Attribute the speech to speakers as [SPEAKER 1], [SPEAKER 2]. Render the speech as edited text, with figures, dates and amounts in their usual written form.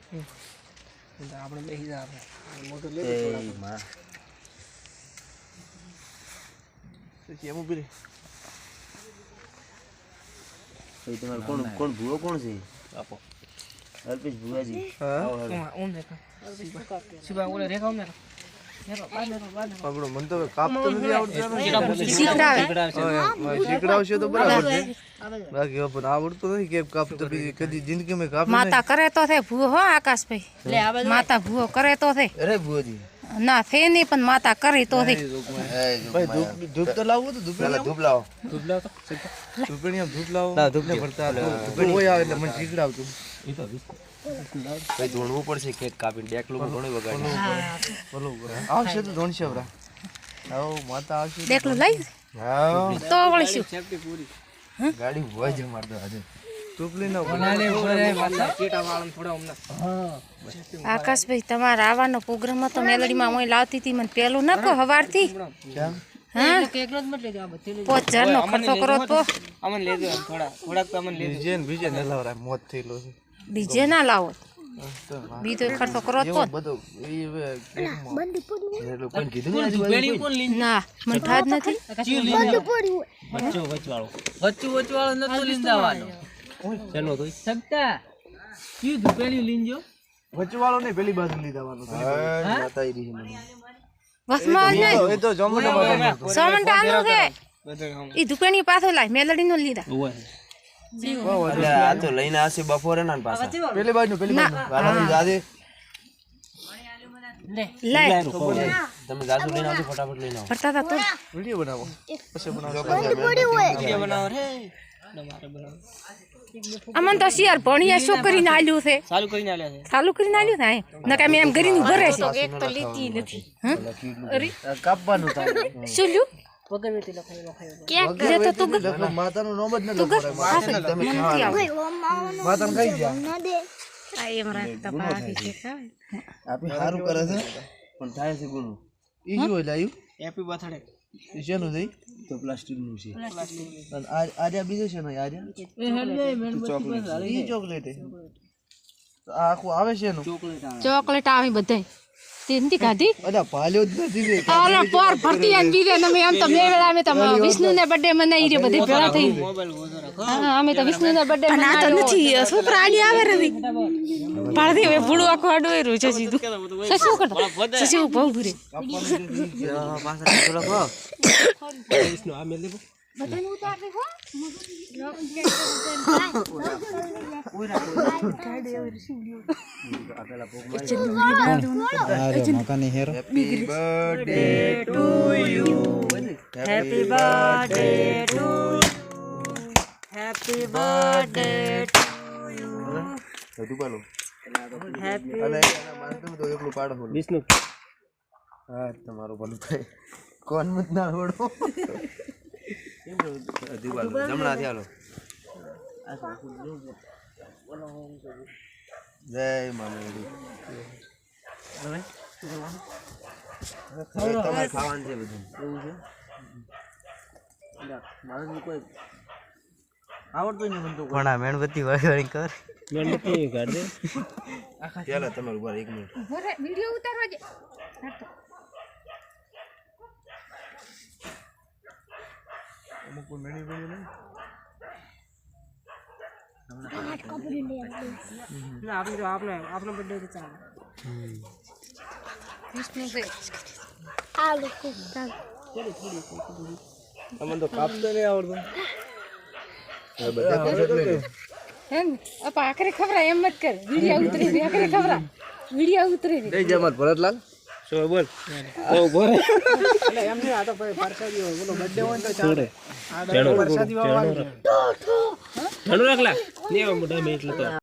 [SPEAKER 1] આપણે બેસી જા આપણે મોટો લે થોડા કેમ ઉભી રે
[SPEAKER 2] ભાઈ તમારે કોણ કોણ ભૂવો કોણ છે આપો અલ્પેશ ભુવાજી
[SPEAKER 1] હા ઓમ દેખા સીબા ઓલે રેખા ઓમ પકડો મન તો કાપતો નથી આવડતું શીખડાવશે તો બરાબર છે બાકી પણ આવડતું નથી કે કાપતો કદી જિંદગીમાં કાપી
[SPEAKER 3] માતા કરે તો છે ભૂવો હો આકાશભાઈ લે માતા ભૂવો કરે તો છે
[SPEAKER 2] અરે ભુવાજી
[SPEAKER 3] ના છે નહીં પણ માતા કરી તો છે
[SPEAKER 1] ભાઈ ધૂપ તો લાવવું તો ધૂપ
[SPEAKER 2] લાવો
[SPEAKER 1] ધૂપણી ધૂપ લાવો ના ધૂપ ને ભરતા ધૂપણી હોય આવે એટલે મને શીખડાવતું
[SPEAKER 2] ભાઈ ધોણવું પડશે કેક કાપીને ડેકલું ઘણું વગાડી
[SPEAKER 1] બોલો આવશે તો ધોણશે બરા આવો માતા આવશે
[SPEAKER 3] દેખલો લઈ
[SPEAKER 1] હા
[SPEAKER 3] તો વળીશું
[SPEAKER 1] સેફટી પૂરી
[SPEAKER 2] ગાડી હોય જ મારતો આજે
[SPEAKER 1] ટોપલી નો બનાલે ઉપર માતા ચીટા વાળન થોડા હમણાં હા
[SPEAKER 3] આકાશભાઈ તમારા આવવાનો પ્રોગ્રામ હતો મેલડીમાં હું લાવતી હતી મને પેલું ન કહો હવારથી
[SPEAKER 1] કેમ
[SPEAKER 3] હા
[SPEAKER 1] એકલો જ મત લેજો આ બધી
[SPEAKER 3] 5000 નો ખર્ચો કરો તો
[SPEAKER 1] અમન લેજો થોડાક તો અમન લેજો બીજે ન લાવરા મોત થઈલો છે
[SPEAKER 3] ડીજે ના લાવો બીજો ખર્ચો કરો તો
[SPEAKER 1] બધું એ બંધ પડી
[SPEAKER 2] કોઈ કીધું ને
[SPEAKER 1] પેલી કોણ લીન
[SPEAKER 3] ના મને થાજ નથી
[SPEAKER 1] બંધ પડ્યું બચ્ચો વચવાળો નતો લીન જવાનો ચલો તો સગતા કીધું પેલી લીન જો વચવાળો ને પેલી બાજુ લીધાવાનો
[SPEAKER 2] માતા ઈ રહી મને
[SPEAKER 3] વસમાં ને
[SPEAKER 1] એ તો જમણો બાજુ
[SPEAKER 3] સોમંટાનું છે ઈ દુકાની પાછો લાય મેલડી નો લીધા
[SPEAKER 2] આ તો લઈને આવશે બપોરે ના પાછા
[SPEAKER 1] પેલી બાજુ
[SPEAKER 2] વાલાની જાદે
[SPEAKER 3] લે
[SPEAKER 2] તમે ગાસુ લઈને આવજો ફટાફટ લઈને આવો
[SPEAKER 3] ફરતા તા તો
[SPEAKER 1] વિડિયો બનાવો પછી બનાવો
[SPEAKER 2] વિડિયો બનાવો રે
[SPEAKER 1] તમારે બનાવો
[SPEAKER 3] અમન તો શિયાર ભણિયા શું કરીને આલ્યું છે
[SPEAKER 1] ચાલુ કરીને આલ્યા છે
[SPEAKER 3] ચાલુ કરીને આલ્યું છે નકા મેં એમ કરીને ભરે છે એક તો લીધી નથી અરે
[SPEAKER 1] કાપવાનું થાય
[SPEAKER 3] શું લ્યું
[SPEAKER 1] વગર વેતી લખાયો
[SPEAKER 3] કેક જે તો તું
[SPEAKER 1] માતાનું નામ જ ન લખો તમે માતાને કહી દે
[SPEAKER 3] આ એમ રાખતા ભાગી છે કાય
[SPEAKER 2] આપી સારું કરે છે પણ થાય છે ગુનું
[SPEAKER 1] ઈ શું હોય લાયું
[SPEAKER 4] હેપી બર્થડે
[SPEAKER 1] ઈ શેનું થઈ
[SPEAKER 2] તો પ્લાસ્ટિક નું છે
[SPEAKER 1] અને આર્યા બીજો છે ને આર્યા ઈ ચોકલેટ તો આ આખું આવે છે એનું
[SPEAKER 3] ચોકલેટ આવી બધાય તેનથી કાઢી
[SPEAKER 1] અલા પાલ્યો જ નથી
[SPEAKER 3] ઓલા પર ભરતી આન બીજે અમે આમ તો મેળા અમે તો વિષ્ણુ ને બર્થડે મનાઈ રે બધી ભેળા થઈ હા અમે તો વિષ્ણુ ને બર્થડે મનાઈ તો નથી છોકરા આડી આવે રે પાડી હવે ભૂડું આખું આડું છે સીધું શું કરતા શું બહુ ભૂરે
[SPEAKER 1] પાછા થોડો ખો
[SPEAKER 4] વિષ્ણુ આ મેલ દે
[SPEAKER 3] બધાને ઉતાર દે હો
[SPEAKER 1] Happy birthday to you.
[SPEAKER 3] Happy birthday to you. Happy birthday to you.
[SPEAKER 2] બધું બોલો
[SPEAKER 3] Happy
[SPEAKER 1] અલે માનતો તો એકલું પાડો
[SPEAKER 4] વિષ્ણુ
[SPEAKER 1] હા તમારું ભલું થાય કોણ મત ના છોડો
[SPEAKER 2] દિવાલો જમણાથી હાલો
[SPEAKER 1] જય મામેડી
[SPEAKER 2] હવે તમારે ખાવાનું છે બધું
[SPEAKER 1] એવું છે મારે કોઈ આવડતું નહીં મને તો
[SPEAKER 2] પણ આ મેણબત્તી વાળી કર
[SPEAKER 4] મેણબત્તી કાઢ દે
[SPEAKER 2] ચાલો તમારું ઉપર 1 મિનિટ
[SPEAKER 3] વિડિયો ઉતારવા દે
[SPEAKER 1] અમુક કોઈ મેળી ગયું નહીં
[SPEAKER 4] આપણે બર્થડે તો ચાલે
[SPEAKER 3] વિષ્ણુ ભાઈ
[SPEAKER 1] અમને તો કાપતો નહીં આવડતું
[SPEAKER 3] હે અપા આખરે ખબરા એમ મત કર વિડિયો ઉતરી દે આખરે ખબરા વિડિયો ઉતરી દે
[SPEAKER 1] જય જમાત ભરતલાલ
[SPEAKER 4] શું બોલ ઓ બોરે એટલે એમ નહીં આ તો પરસાદી હોય બોલો બર્થડે હોય તો ચાલે આ પરસાદી વાળો રાખલા ને મોટા મે એટલે તો